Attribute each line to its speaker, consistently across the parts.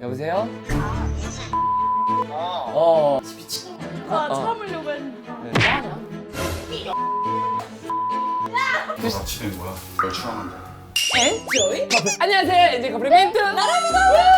Speaker 1: 여보세요?
Speaker 2: 미친.
Speaker 3: 참으려고 했는데.
Speaker 2: 뭐하냐?
Speaker 4: 진행 뭐야? 널 추앙한다.
Speaker 1: 엔조이? 안녕하세요, 엔조이 커플 멘트 나랍니다.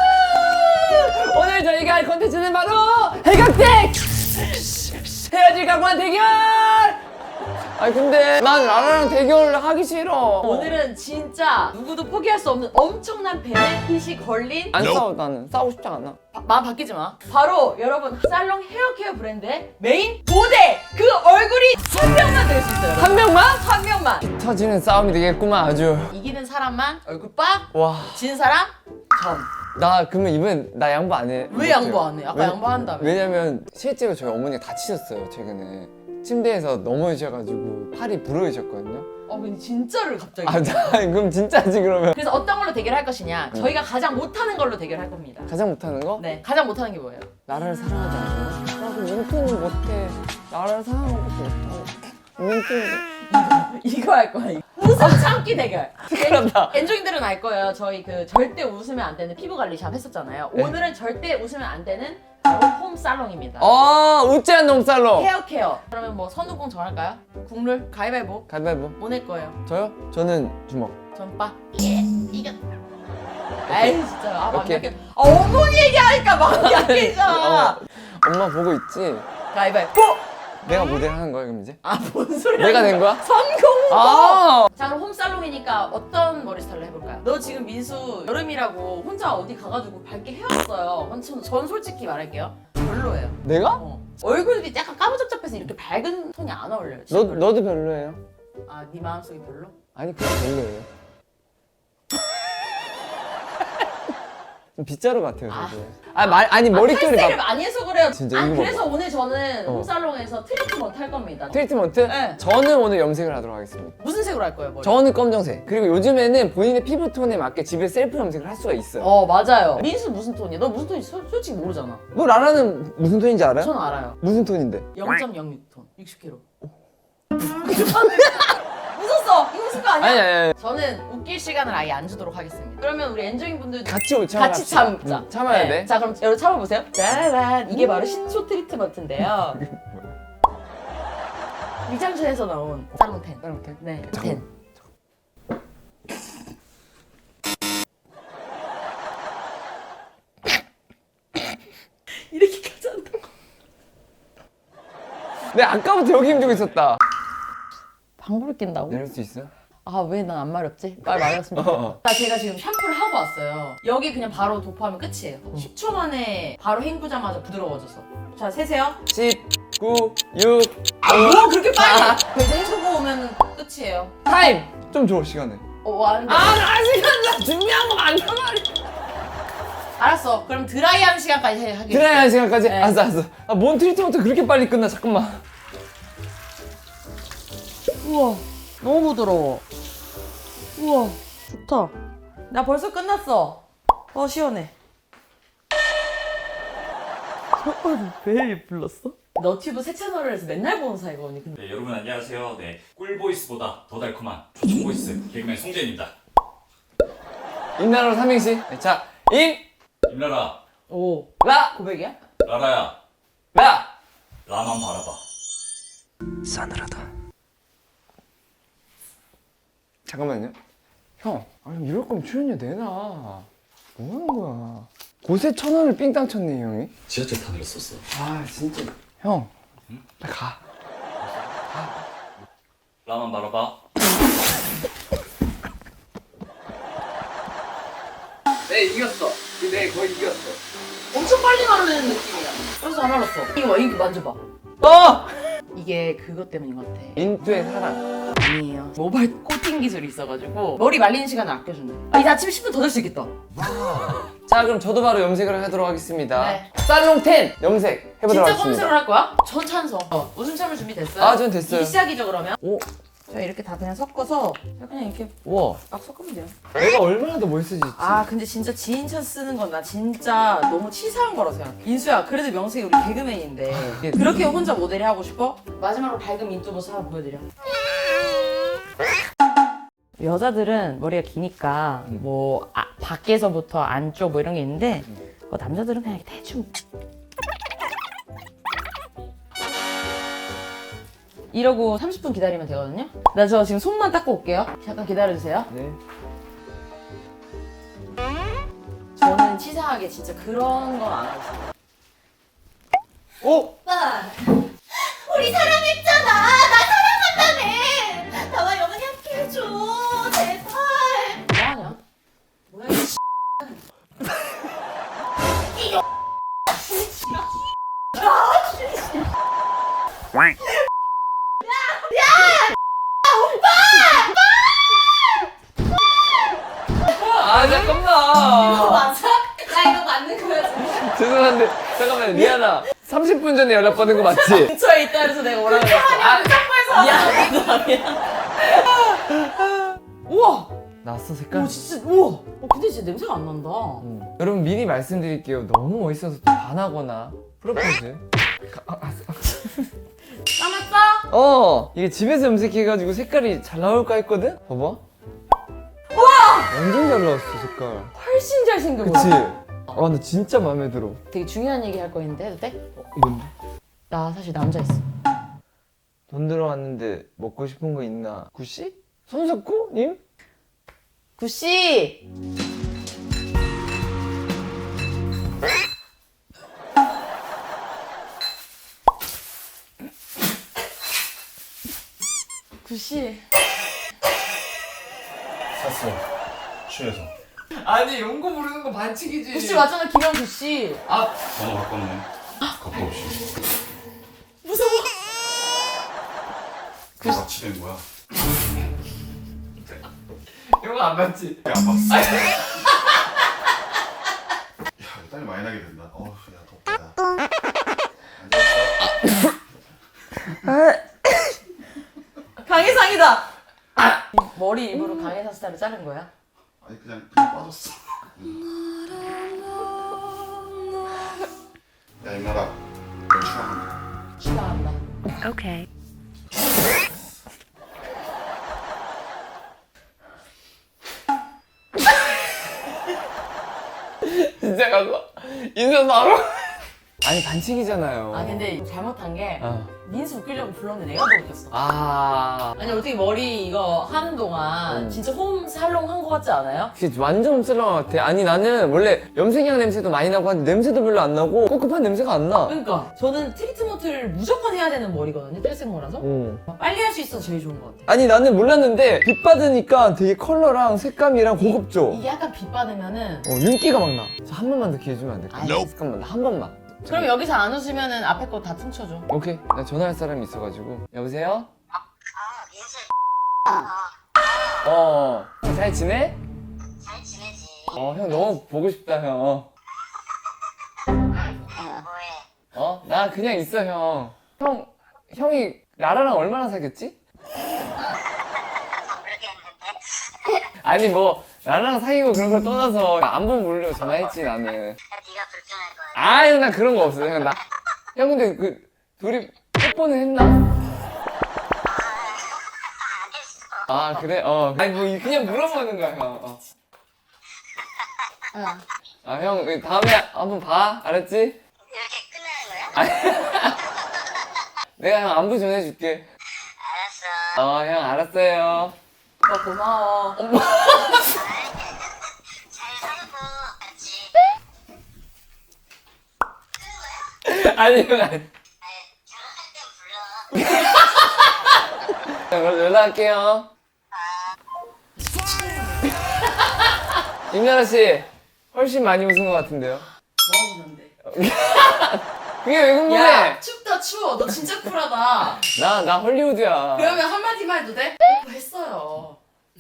Speaker 1: 오늘 저희가 할 컨텐츠는 바로 해각택! 헤어질 각오한 대결! 아니 근데 난 라라랑 대결 하기 싫어.
Speaker 2: 오늘은 진짜 누구도 포기할 수 없는 엄청난 베네핏이 걸린
Speaker 1: 안 싸워. 나는 싸우고 싶지 않아.
Speaker 2: 마음 바뀌지 마. 바로 여러분 살롱 헤어케어 브랜드의 메인 모델 그 얼굴이 한 명만 될 수 있어요. 여러분.
Speaker 1: 한 명만?
Speaker 2: 한 명만.
Speaker 1: 터지는 싸움이 되겠구만 아주.
Speaker 2: 이기는 사람만 얼굴 빡.
Speaker 1: 와.
Speaker 2: 진 사람 전.
Speaker 1: 나 그러면 이번 나 양보 안 해.
Speaker 2: 왜 양보 안 해? 아까 양보한다며.
Speaker 1: 왜냐면 실제로 저희 어머니가 다치셨어요 최근에. 침대에서 넘어지셔가지고 팔이 부러지셨거든요.
Speaker 2: 근데 진짜를 갑자기.
Speaker 1: 아, 그럼 진짜지 그러면.
Speaker 2: 그래서 어떤 걸로 대결할 것이냐? 저희가 가장 못하는 걸로 대결할 겁니다.
Speaker 1: 가장 못하는 거?
Speaker 2: 네, 가장 못하는 게 뭐예요?
Speaker 1: 나라를 사랑하지 않나? 나 그럼 윙크는 못해. 나라를 사랑하는 것도 못하고. 윙크는
Speaker 2: 이거 할 거야. 웃음 참기 대결.
Speaker 1: 큰일났다.
Speaker 2: 엔조인들은 알 거예요. 저희 그 절대 웃으면 안 되는 피부 관리샵 했었잖아요.
Speaker 1: 네.
Speaker 2: 오늘은 절대 웃으면 안 되는 바로 홈 살롱입니다.
Speaker 1: 웃지 않는 홈살롱.
Speaker 2: 헤어 케어. 그러면 뭐 선우공 정할까요? 국룰 가위바위보.
Speaker 1: 가위바위보.
Speaker 2: 뭐 낼 거예요?
Speaker 1: 저요? 저는 주먹.
Speaker 2: 전빠. 예, 이겼. 아이 진짜 마음
Speaker 1: 오케이.
Speaker 2: 약해. 어머니 얘기하니까 마음이 약해져.
Speaker 1: 엄마 보고 있지?
Speaker 2: 가위바위보.
Speaker 1: 내가 모델 하는 거야 그럼 이제?
Speaker 2: 뭔 소리야?
Speaker 1: 내가 된 거야?
Speaker 2: 성공! 자 그럼 홈살롱이니까 어떤 머리 스타일로 해볼까요? 너 지금 민수 여름이라고 혼자 어디 가가지고 밝게 해왔어요. 전 솔직히 말할게요. 별로예요.
Speaker 1: 내가?
Speaker 2: 얼굴이 약간 까무잡잡해서 이렇게 밝은 톤이 안 어울려요. 진짜 별로.
Speaker 1: 너도 별로예요.
Speaker 2: 네 마음속이 별로?
Speaker 1: 아니 그냥 별로예요. 좀 빗자루 같아요 저도. 아니 머릿결이
Speaker 2: 탈색을
Speaker 1: 막
Speaker 2: 많이 해서 그래요.
Speaker 1: 진짜 이거
Speaker 2: 그래서 오늘 저는
Speaker 1: 어.
Speaker 2: 홈살롱에서 트리트먼트 할 겁니다.
Speaker 1: 트리트먼트?
Speaker 2: 네.
Speaker 1: 저는 오늘 염색을 하도록 하겠습니다.
Speaker 2: 무슨 색으로 할 거예요, 머리?
Speaker 1: 저는 검정색. 그리고 요즘에는 본인의 피부톤에 맞게 집에 셀프 염색을 할 수가 있어요.
Speaker 2: 맞아요. 민수 무슨 톤이야? 너 무슨 톤인지 솔직히 모르잖아.
Speaker 1: 너 라라는 무슨 톤인지 알아요?
Speaker 2: 저는 알아요.
Speaker 1: 무슨 톤인데?
Speaker 2: 0.06톤, 60kg. 웃었어. 이거 웃은 거 아니야?
Speaker 1: 아니.
Speaker 2: 저는 웃길 시간을 아예 안 주도록 하겠습니다. 그러면 우리 엔조잉 분들도
Speaker 1: 같이
Speaker 2: 같이 참자.
Speaker 1: 참아야 돼.
Speaker 2: 자, 그럼 여러분 참아보세요. 짜라란. 이게 바로 신초 트리트먼트인데요. 위장천에서 나온 살롱 텐.
Speaker 1: 살롱 텐?
Speaker 2: 네,
Speaker 1: 잠깐만.
Speaker 2: 텐. 이렇게까지 한다고?
Speaker 1: 내 아까부터 여기 힘주고 있었다.
Speaker 2: 방구를 낀다고?
Speaker 1: 내릴 수 있어?
Speaker 2: 왜 난 안 마렵지? 말 마렵습니다. 제가 지금 샴푸를 하고 왔어요. 여기 그냥 바로 도포하면 끝이에요. 10초 만에 바로 헹구자마자 부드러워져서. 자, 세세요.
Speaker 1: 10, 9, 6,
Speaker 2: 뭐 그렇게 빨리! 이제 헹구고 오면 끝이에요.
Speaker 1: 타임! 좀 줘, 시간을.
Speaker 2: 안 돼.
Speaker 1: 나 시간 나 준비한 거 많단 말이야.
Speaker 2: 알았어. 그럼 드라이하는 시간까지 하겠습니다.
Speaker 1: 드라이한 시간까지?
Speaker 2: 네.
Speaker 1: 알았어. 뭔 트리트먼트 그렇게 빨리 끝나, 잠깐만.
Speaker 2: 우와, 너무 부드러워. 우와, 좋다. 나 벌써 끝났어. 시원해. 왜 불렀어? 너튜브 새 채널을 해서 맨날 보는 사이거든요.
Speaker 4: 네, 여러분 안녕하세요. 네, 꿀보이스보다 더 달콤한 조충보이스 개그맨 송재입니다.
Speaker 1: 임나라로 삼행시. 네, 자,
Speaker 4: 임라라,
Speaker 1: 라,
Speaker 2: 고백이야?
Speaker 4: 라라야,
Speaker 1: 라.
Speaker 4: 라만 바라봐.
Speaker 1: 싸늘하다. 잠깐만요. 형, 아니 이럴 거면 출연료 내놔. 뭐 하는 거야? 곳에 1,000원을 삥 땅 쳤네, 이 형이.
Speaker 4: 지하철 타 내렸었어.
Speaker 1: 진짜. 형, 나 가.
Speaker 4: 라만 바라봐.
Speaker 1: 네, 이겼어. 네, 거의 이겼어.
Speaker 2: 엄청 빨리 마르는 느낌이야. 그래서 안 알았어. 이거 봐, 이거 만져봐. 이게 그것 때문인 것 같아.
Speaker 1: 인투의 사랑.
Speaker 2: 아니에요. 모바일 코팅 기술이 있어가지고 머리 말리는 시간을 아껴준다. 이제 아침 10분 더 잘 수 있겠다.
Speaker 1: 자, 그럼 저도 바로 염색을 하도록 하겠습니다.
Speaker 2: 네.
Speaker 1: 살롱 10 염색 해보도록
Speaker 2: 진짜
Speaker 1: 하겠습니다.
Speaker 2: 검색을 할 거야? 전 찬성. 웃음 참을 준비 됐어요?
Speaker 1: 전 됐어요.
Speaker 2: 이제 시작이죠 그러면?
Speaker 1: 오,
Speaker 2: 자 이렇게 다 그냥 섞어서 그냥 이렇게
Speaker 1: 우와.
Speaker 2: 막 섞으면 돼요.
Speaker 1: 내가 얼마나 더 멋있어질지.
Speaker 2: 근데 진짜 지인찬 쓰는 건 나 진짜 너무 치사한 거라 생각해. 인수야 그래도 명색이 우리 개그맨인데 그렇게 혼자 모델이 하고 싶어? 마지막으로 밝은 민뚜 모습 한번 보여드려. 여자들은 머리가 기니까 뭐 밖에서부터 안쪽 뭐 이런 게 있는데 남자들은 그냥 이렇게 대충 이러고 30분 기다리면 되거든요. 나 저 지금 손만 닦고 올게요. 잠깐 기다려주세요.
Speaker 1: 네.
Speaker 2: 저는 치사하게 진짜 그런 건 안 하고 있어요.
Speaker 3: 오빠 우리 사랑했잖아. 나 사랑한다며. 나와 영원히 함께 해줘. 제발.
Speaker 2: 뭐하냐? 뭐야 이
Speaker 1: 아 잠깐만.
Speaker 3: 맞아? 나 이거 맞는 거야 지금?
Speaker 1: 죄송한데 잠깐만 리아나 30분 전에 연락 받은 거 맞지?
Speaker 2: 근처에 있다 그래서 내가 오라고 했어. 미안하다 미안. 우와.
Speaker 1: 나왔어 색깔?
Speaker 2: 오 진짜 우와. 근데 진짜 냄새가 안 난다.
Speaker 1: 여러분 미리 말씀드릴게요. 너무 멋있어서 또 반하거나 프로포즈.
Speaker 2: 까맣어?
Speaker 1: 이게 집에서 염색해가지고 색깔이 잘 나올까 했거든? 봐봐. 우와! 완전 잘 나왔어 색깔.
Speaker 2: 훨씬 잘생겨 보여.
Speaker 1: 그치? 아 나 진짜 마음에 들어.
Speaker 2: 되게 중요한 얘기 할 거 있는데 해도 돼?
Speaker 1: 뭔데?
Speaker 2: 나 사실 남자 있어.
Speaker 1: 돈 들어왔는데 먹고 싶은 거 있나? 구씨? 손석구님?
Speaker 2: 구씨. 구씨.
Speaker 4: 샀어. 취해서.
Speaker 1: 아니 용고 부르는 거 반칙이지.
Speaker 2: 구씨 맞잖아 김영 구씨.
Speaker 4: 번호 바꿨네. 갖고 없이.
Speaker 2: 무서워.
Speaker 4: 같이 된 거야.
Speaker 1: 이거 안 맞지?
Speaker 4: 안 봤어. 야, 땀이 많이 나게 된다. 야, 덥다.
Speaker 2: 강해상이다. 머리 일부러 강해상 스타일로 자른 거야?
Speaker 4: 아니 그냥 빠졌어. 야 임나라, 너 추가한다.
Speaker 2: 싫어한다.
Speaker 3: 오케이.
Speaker 1: 진짜 가서 인사 바로. 아니 반칙이잖아요.
Speaker 2: 아 근데 잘못한 게
Speaker 1: 어.
Speaker 2: 민수 웃기려고 불렀는데 내가 더 웃겼어.
Speaker 1: 아.
Speaker 2: 아니 어떻게 머리 이거 하는 동안 진짜 홈 살롱 한 거 같지 않아요?
Speaker 1: 그게 완전 흡슬렁한 것 같아. 아니 나는 원래 염색약 냄새도 많이 나고 하는데 냄새도 별로 안 나고 꿉꿉한 냄새가 안 나.
Speaker 2: 그러니까 저는 트리트먼트를 무조건 해야 되는 머리거든요. 탈색모라서 빨리 할 수 있어서 제일 좋은 것 같아.
Speaker 1: 아니 나는 몰랐는데 빛 받으니까 되게 컬러랑 색감이랑 고급져.
Speaker 2: 이게 약간 빛 받으면은
Speaker 1: 윤기가 막 나. 저 한 번만 더 기회 주면 안 될까?
Speaker 2: 아이.
Speaker 1: 잠깐만 나 한 번만.
Speaker 2: 그럼 여기서 안 웃으면은 앞에 거 다 퉁쳐줘.
Speaker 1: 오케이. 나 전화할 사람이 있어가지고. 여보세요? 잘 지내?
Speaker 3: 잘 지내지.
Speaker 1: 형 너무 보고 싶다 형.
Speaker 3: 뭐해?
Speaker 1: 나 그냥 있어 형. 형이 라라랑 얼마나 사귀었지?
Speaker 3: 모르겠는데.
Speaker 1: 아니 뭐 라라랑 사귀고 그런 걸 떠나서 안 보면 모르려고 전화했지 나는.
Speaker 3: 네가 불편할 거야.
Speaker 1: 아유 나 그런 거 없어 형. 형 근데 그 둘이 뽀뽀는 했나?
Speaker 3: 안 했어.
Speaker 1: 아 그래? 아니 뭐 그냥 물어보는 거야 형. 형 다음에 한번 봐 알았지?
Speaker 3: 이렇게 끝나는 거야?
Speaker 1: 내가 형 안부 전해줄게.
Speaker 3: 알았어.
Speaker 1: 형 알았어요.
Speaker 2: 오빠 고마워.
Speaker 3: 잘 살고 같이.
Speaker 1: 아니 형 아니.
Speaker 3: 결혼할 땐 불러.
Speaker 1: 형 그럼 연락할게요. 임나라 씨 훨씬 많이 웃은 것 같은데요?
Speaker 2: 뭐 하는데?
Speaker 1: 그게 왜 궁금해?
Speaker 2: 야 춥다 추워. 너 진짜 쿨하다.
Speaker 1: 나 헐리우드야.
Speaker 2: 그러면 한마디만 해도 돼? 뽀뽀 했어요.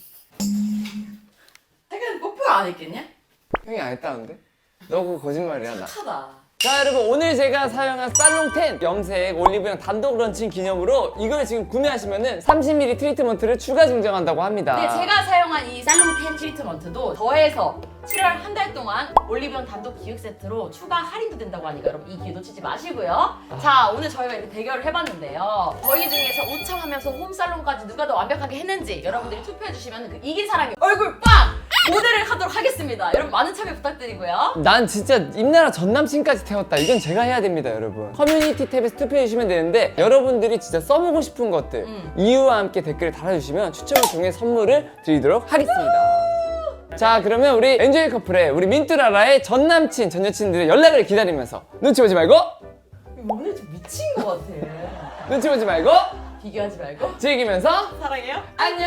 Speaker 2: 하긴 뽀뽀 안 했겠냐?
Speaker 1: 형이 안 했다는데? 너 그거 거짓말이야 나.
Speaker 2: 착하다.
Speaker 1: 자 여러분 오늘 제가 사용한 살롱10 염색 올리브영 단독 런칭 기념으로 이걸 지금 구매하시면은 30ml 트리트먼트를 추가 증정한다고 합니다.
Speaker 2: 네, 제가 사용한 이 살롱 펜 트리트먼트도 더해서 7월 한 달 동안 올리브영 단독 기획 세트로 추가 할인도 된다고 하니까 여러분 이 기회 놓치지 마시고요. 자, 오늘 저희가 이렇게 대결을 해봤는데요. 저희 중에서 우창하면서 홈살롱까지 누가 더 완벽하게 했는지 여러분들이 투표해주시면 그 이긴 사람이 얼굴 빵! 모델을 하도록 하겠습니다. 여러분 많은 참여 부탁드리고요.
Speaker 1: 난 진짜 임나라 전 남친까지 태웠다. 이건 제가 해야 됩니다, 여러분. 커뮤니티 탭에서 투표해 주시면 되는데 여러분들이 진짜 써보고 싶은 것들 이유와 함께 댓글을 달아주시면 추첨을 통해 선물을 드리도록 하겠습니다. 자, 그러면 우리 엔조이 커플의 우리 민뚜라라의 전 남친, 전 여친들의 연락을 기다리면서 눈치 보지 말고
Speaker 2: 오늘 좀 미친 것 같아.
Speaker 1: 눈치 보지 말고
Speaker 2: 비교하지 말고
Speaker 1: 즐기면서
Speaker 2: 사랑해요.
Speaker 1: 안녕.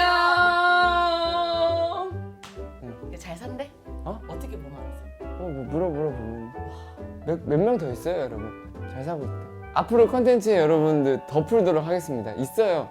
Speaker 2: 잘 산대?
Speaker 1: 어?
Speaker 2: 어떻게 보면 알았어?
Speaker 1: 뭐 물어보면 몇 명 더 있어요, 여러분. 잘 사고 있다. 앞으로 컨텐츠에 여러분들 더 풀도록 하겠습니다. 있어요.